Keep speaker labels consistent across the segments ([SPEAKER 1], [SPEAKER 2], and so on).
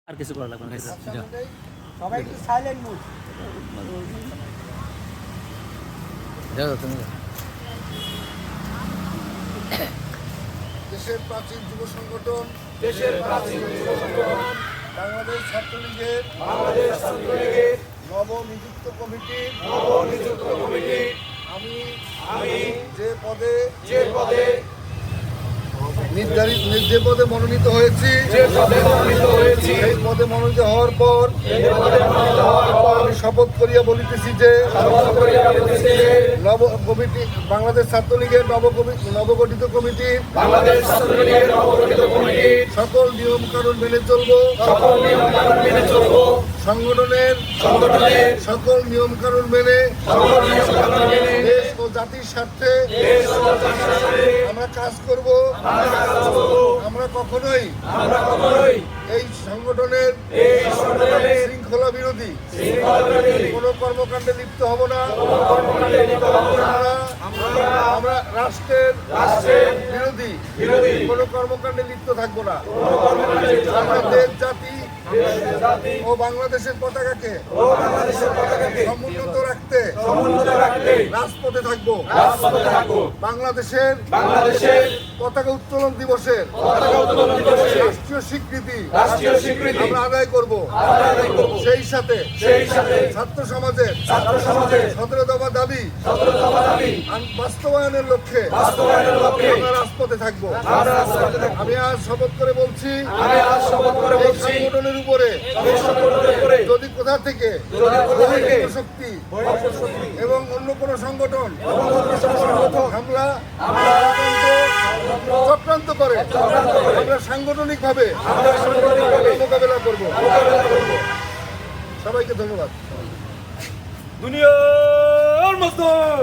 [SPEAKER 1] আর কিছু করা লাগবে না।
[SPEAKER 2] সবাই একটু সাইলেন্ট মুড।
[SPEAKER 1] যাও তুমি
[SPEAKER 3] দেশের প্রাচীন যুব সংগঠন বাংলাদেশ ছাত্রলীগের নবনিযুক্ত কমিটি আমি যে পদে যে পদে মনোনীত হয়েছি সেই পদে মনোনীত হওয়ার পর আমি শপথ করিয়া বলিতেছি যে নব কমিটি বাংলাদেশ ছাত্রলীগের নবগঠিত কমিটি সকল নিয়ম কানুন মেনে চলবো সংগঠনের সকল নিয়ম কানুন মেনে দেশ ও জাতির স্বার্থে আমরা কাজ করব। আমরা কখনোই এই সংগঠনের শৃঙ্খলা বিরোধী কোন কর্মকাণ্ডে লিপ্ত হব না। আমরা রাষ্ট্রের বিরোধী কোন কর্মকাণ্ডে লিপ্ত থাকবো না। আমরা দেশ জাতি ও বাংলাদেশের পতাকাকে সমুন্নত রাখতে রাজপথে থাকবো। বাংলাদেশের পতাকা উত্তোলন দিবসের রাষ্ট্রীয় স্বীকৃতি আমরা আদায় করব। সেই সাথে ছাত্র সমাজের 17 দফা দাবি বাস্তবায়নের লক্ষ্যে আমরা রাজপথে থাকবো। আমি আজ শপথ করে বলছি সংগঠনের উপরে যদি কোথা থেকে শক্তি এবং অন্য কোন সংগঠন হামলা চক্রান্ত করে আমরা সাংগঠনিকভাবে মোকাবেলা করব। সবাইকে ধন্যবাদ।
[SPEAKER 4] দুনিয়ার মজদুর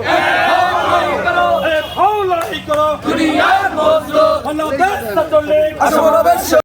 [SPEAKER 4] এক হাওলাই করো দুনিয়ার মজদুর বাংলাদেশ ছাত্রলীগ